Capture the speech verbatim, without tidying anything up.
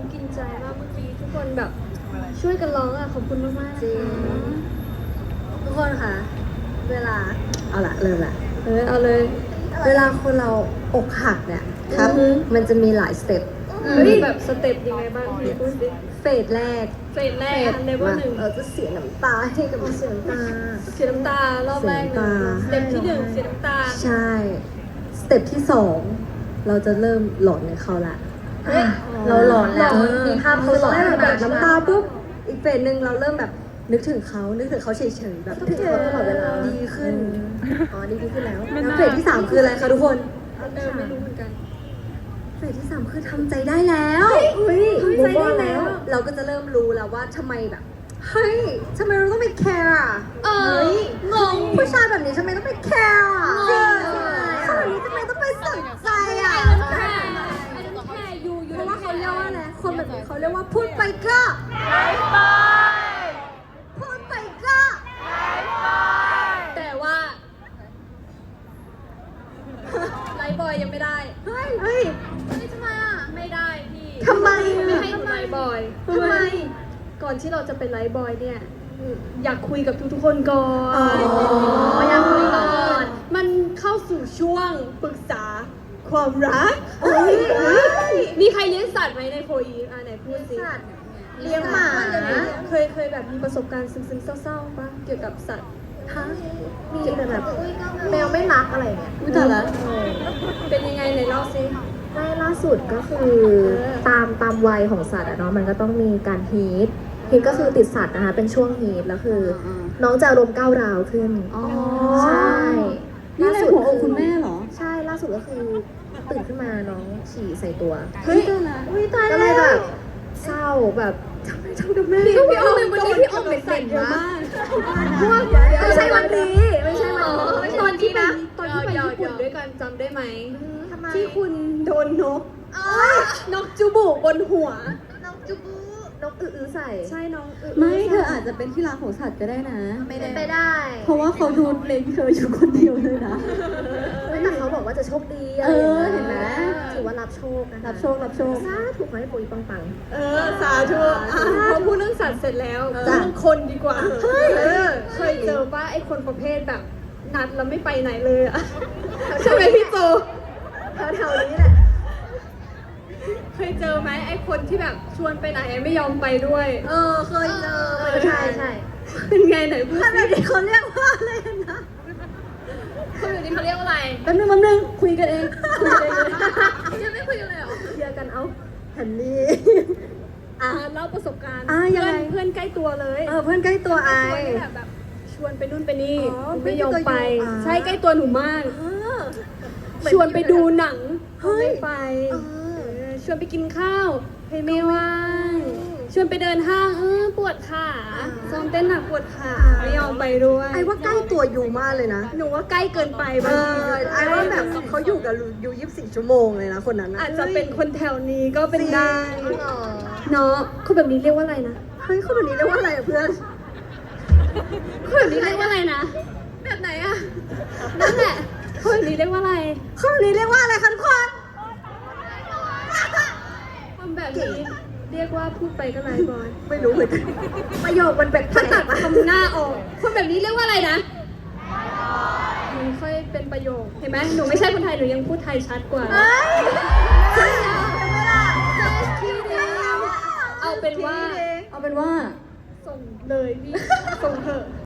กินใจมากเมื่อกี้ทุกคนแบบช่วยกันร้องอ่ะขอบคุณมากๆจริง ทุกคนคะเวลาเอาละเริ่มละเออเอาเลยเวลาคนเราอกหักเนี่ยครับอือฮึมันจะมีหลายสเต็ปเฮ้ยแบบสเต็ปยังไงบ้างพี่พูดสิเฟสแรกเฟสแรกอันเลเวลหนึ่งเราจะเสียน้ำตาให้กับเสียน้ำตาเสียน้ำตารอบแรกเลยสเสีเต็ยปน้ำตาที่หนึ่งเสียน้ำตาใช่ สเต็ปที่สองเราจะเริ่มหลอนในเขาละเฮ้ยเราหลอนแล้วหลอนมีภาพเขาหลอนได้แบบแบบน้ำตาปุ๊บอีกเฟสหนึ่งเราเริ่มแบบนึกถึงเขานึกถึงเขาเฉยๆแบบนึกถึงเขาตลอดเวลาดีขึ้นอ๋อดีขึ้นแล้วแล้วเฟสที่สามคืออะไรคะทุกคนเออไม่รู้เหมือนกันเฟสที่สามคือทำใจได้แล้วเฮ้ยทำใจได้แล้วเราก็จะเริ่มรู้แล้วว่าทำไมแบบเฮ้ยทำไมเราต้องไปแคร์อ่ะเออฮ้ยงงผู้ชายแบบนี้ทำไมต้องไปแคร์อ่ะจริงผู้ชายแบบนี้ทำไมต้องไปสนใจอ่ะไอ้นั่นแค่ไอ้นั่นแค่ยูยูเพราะว่าเขาเรียกว่าอะไรคนแบบนี้เขาเรียกว่าพูดไปก็พูดไปก็แต่ว่าไลฟ์บอยยังไม่ได้เฮ้ยเฮ้ยเฮ้ยทำไมอ่ะไม่ได้พี่ทำไมไม่ให้หนูไลฟ์บอยทำไมก่อนที่เราจะเป็นไลฟ์บอยเนี่ยอยากคุยกับทุกๆคนก่อนอ๋ออยากคุยก่อนมันเข้าสู่ช่วงปรึกษาความรักเฮ้ยเฮ้ยมีใครเลี้ยงสัตว์ไหมในโฟอีฟอ่ะไหนพูดสิเลี้ยงหมาเคยเคยแบบมีประสบการณ์ซึ้งๆเศร้าๆปะเกี่ยวกับสัตว์ฮะมีแต่แบบแมวไม่รักอะไรเงี้ยอุ้ยแต่ละเป็นยังไงไหนเล่าสิได้ล่าสุดก็คือตามตามวัยของสัตว์อะเนาะมันก็ต้องมีการฮีทฮีทก็คือติดสัตว์นะคะเป็นช่วงฮีทแล้วคืออน้องจะอารมณ์ก้าวร้าวขึ้นอ๋อใช่นี่เลยหัวอกคุณแม่เหรอใช่ล่าสุดก็คือตื่นขึ้นมาน้องฉี่ใส่ตัวเฮ้ยอุ้ยตายก็แล้เลวยแบบเศร้าแบบทำไมทำกับแม่พี่พี่อ้อมวันนี้พี่อ้อมเป็นเด็กเยอะมากไม่ใช่วันนี้ไม่ใช่วันนี้ตอนที่นะตอนที่ไปญี่ปุ่นด้วยกันจำได้ไหมทำไมที่คุณโดนนกนกจูบุบนหัวน้องจุบูนกอื้อๆใส่ใช่น้องอึไม่เธออาจจะเป็นที่รักของสัตว์ก็ได้นะไม่ได้ไปได้เพราะว่าเขาดูเล็งเธออยู่คนเดียวเลยนะเฮ้ยแต่เขาบอกว่าจะโชคดีอะไรเออย่างอเงี้ยเห็นไหมถือว่ารับโชคนะคะรับโชค รับโชคสาธุขอให้ปุ๋ยปังเออสาธุอ่ะพอพูดเรื่องสัตว์เสร็จแล้วพูดจ้ะเรื่องคนดีกว่าเออเคยเจอป่ะไอ้คนประเภทแบบ นัดแล้วไม่ไปไหนเลยอะใช่ไหมพี่โจๆแถวๆนี้แหละเคยเจอไหมไอ้คนที่แบบชวนไปไหนไม่ยอมไปด้วยเออ เคยเจอเออใช่ใช่เป็นไงไหนพูดขนาสิดนี้เขาเรียกว่าอะไรนะคนอยู่นี่เขาเรียกว่าอะไรแป๊บนึงแป๊บนึงคุยกันเองคุยกันเองยังไม่คุยกันเลยเหรอเคลียร์กันเอาหันนี่อ่ะเล่าประสบการณ์อ่ะยังเพื่ไงอนเพื่อนใกล้ตัวเลยเออ เพื่อนใกล้ตัวไอใกล้ตัวนี่แหละแบบชวนไปนู่นไปนี่อ๋อหนูไม่ยอมไปเพื่อนใกล้ตัวอยู่อ่ะใช่ใกล้ตัวหนูมากเออชวนไปดูหนังเฮ้ยไม่ไปเออเออชวนไปกินข้าวเฮ้ยไม่ว่างชวนไปเดินห้างเออปวดขาซ้อมเต้นหนักปวดขาไม่ยอมไปด้วยไอว่าใกล้ตัวอยู่มากเลยนะหนูว่าใกล้เกินไปเอบางทีอ ไอว่าแบบเขาอยู่กับอยู่ยี่สิบสี่ชั่วโมงเลยนะคนนั้นนะอาจจะเป็นคนแถวนี้ก็เป็นได้อ๋อเนาะคนแบบนี้เรียกว่าอะไรนะเฮ้ยคนแบบนี้เรียกว่าอะไรอะเพื่อนคนแบบนี้เรียกว่าอะไรนะแบบไหนอะนั่นแหละคนแบบนี้เรียกว่าอะไรคนแบบนี้เรียกว่าอะไรคะทุกคนทำแบบนี้เรียกว่าพูดไปก็ไร้บอยไม่รู้เหมือนกันประโยคมันแปลกถ้าตัดๆคำหน้าออก คนแบบนี้เรียกว่าอะไรนะหนูค่อยเป็นประโยค เห็นไหมหนูไม่ใช่คนไทย หนูยังพูดไทยชัดกว่า เอาเป็นว่าเอาเป็นว่าส่งเลยพี่ ส่งเถอะ